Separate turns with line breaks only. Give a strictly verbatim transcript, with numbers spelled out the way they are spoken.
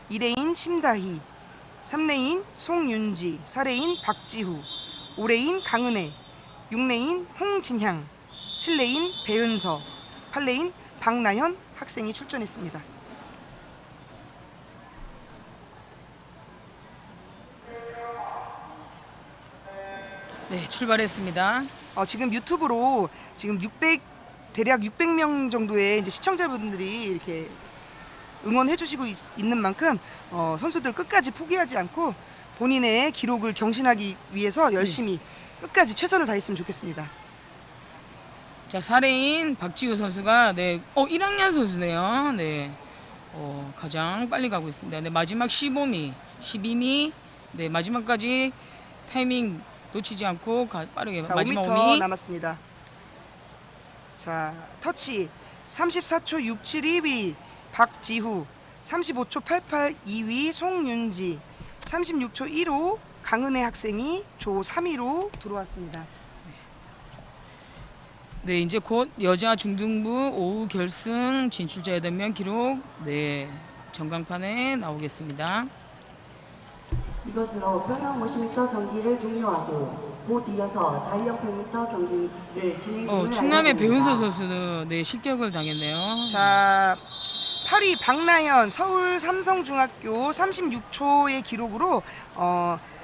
이 레인 심다희, 삼 레인 송윤지, 사 레인 박지후, 오 레인 강은혜, 육 레인 홍진향, 칠 레인 배은서, 팔 레인 박나현 학생이 출전했습니다.
네, 출발했습니다.
어, 지금 유튜브로 지금 육백 대략 육백 명 정도의 이제 시청자분들이 이렇게 응원해 주시고 있, 는 만큼 어, 선수들 끝까지 포기하지 않고 본인의 기록을 경신하기 위해서 열심히 네. 끝까지 최선을 다했으면 좋겠습니다.
자, 사 레인 박지우 선수가 네, 어 일 학년 선수네요. 네. 어, 가장 빨리 가고 있습니다. 네, 마지막 십오 미, 십이 미. 네, 마지막까지 타이밍 놓치지 않고 가, 빠르게
자,
마지막
오 미터
오 미
남았습니다. 자, 터치 삼십사 초 육칠 일 위 박지후, 삼십오 초 팔십팔 이 위 송윤지, 삼십육 초 일오 강은혜 학생이 조 삼 위로 들어왔습니다.
네, 이제 곧 여자 중등부 오후 결승 진출자 여덟 명 기록 네, 전광판에 나오겠습니다.
이것으로 평영 오십 미터 경기를 종료하고 곧 이어서 자유형 백 미터 경기를 진행
어,
중을
충남의 배은서
알려드립니다.
선수도 네, 실격을 당했네요.
자, 팔 위 박나현 서울 삼성중학교 삼십육 초의 기록으로 어,